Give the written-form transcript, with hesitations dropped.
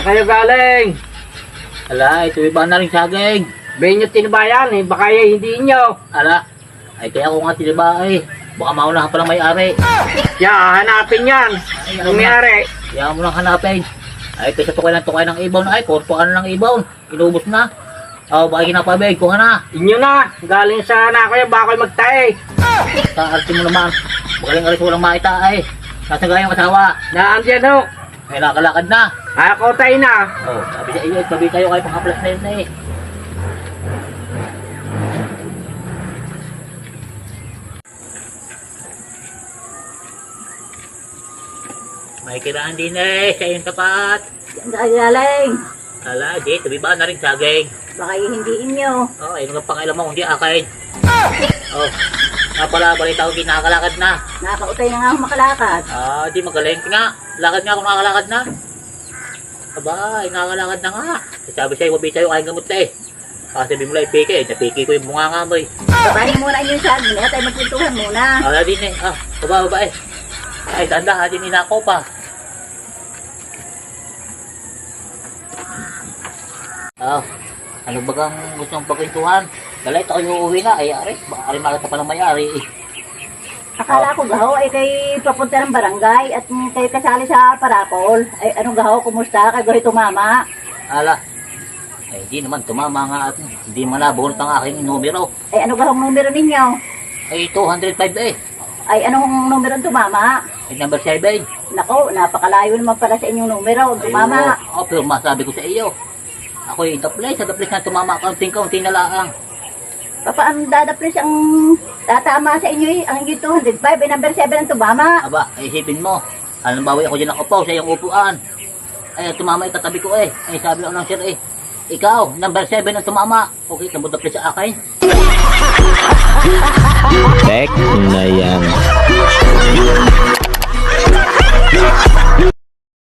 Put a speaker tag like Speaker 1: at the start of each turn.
Speaker 1: Saan kayo galing?
Speaker 2: Ala, ito iba na rin saging.
Speaker 1: Bayin nyo tinabayan eh, baka hindi inyo.
Speaker 2: Ala, ay kaya ko nga tiniba eh. Baka maunahan pa lang may-ari.
Speaker 1: Ya, hanapin yan. Ang may-ari.
Speaker 2: Kaya mo lang hanapin. Ay, kaysa tukay ng ibon. Ay, korpoan ng ibon. Inubos na. Oh, baka kinapabig. Kuha na.
Speaker 1: Inyo na, galing sa anak ko yan, baka kayo magtae.
Speaker 2: Kaartin mo naman. Magaling-alis walang makita ay. Nasa gayang asawa.
Speaker 1: Naandyan ho.
Speaker 2: Ay, nakalakad na.
Speaker 1: Ako tayo na.
Speaker 2: Oh, sabi sa iyo, sabi tayo kayo pang-aplas na yun eh. May kiraan din eh, sa iyong tapat.
Speaker 3: Diyan ka galing.
Speaker 2: Ala, di, tabi ba na rin saging?
Speaker 3: Baka hindi inyo.
Speaker 2: Oh, ayun nga pangilan mo, hindi akin. Oh, pala, balita ko, kinakalakad na.
Speaker 3: Nakautay na nga ako makalakad.
Speaker 2: Ah, di magaling nga. Lakad nga kung nakakalakad na. Aba, ay nakakalakad na nga. Sabi sa'yo, wabi sa'yo, kain gamot na eh. Sabi mo lang, ipike, napike ko yung bunga nga mo eh.
Speaker 3: Babahin muna inyo yung saging na tayo magpintuhan muna.
Speaker 2: Ala din eh, baba eh. Ay, tanda, din inako pa. Ano bagang gusto mong pagkwentuhan? Galay, ito kayo uuwi na. Ay, aris, baka rin makita pa ng may-ari eh.
Speaker 3: Akala ko gaho ay kay papunta ng barangay at kayo kasali sa parapol. Ay anong gaho, kumusta? Kay gaho tumama.
Speaker 2: Ala, ay di naman, tumama nga at hindi man nabunot ang aking numero.
Speaker 3: Ay ano gahong numero ninyo?
Speaker 2: Ay, 205 eh.
Speaker 3: Ay anong numero tumama?
Speaker 2: Ay, number 7.
Speaker 3: Nako, napakalayo naman pala sa inyong numero. Tumama.
Speaker 2: Ay, pero masabi ko sa iyo. Ako yung sa the place na tumama kaunting-kaunti na laang.
Speaker 3: Paano dadaplis ang tatama sa inyo eh? Ang 205 ay number 7 ang tumama.
Speaker 2: Aba, ay isipin mo. Alam bawi ako dyan nakaupo sa iyong upuan. Ay, tumama itatabi ko eh. Ay, sabi lang ng sir eh. Ikaw, number 7 ang tumama. Okay, nabudaplis sa akin.
Speaker 4: Tek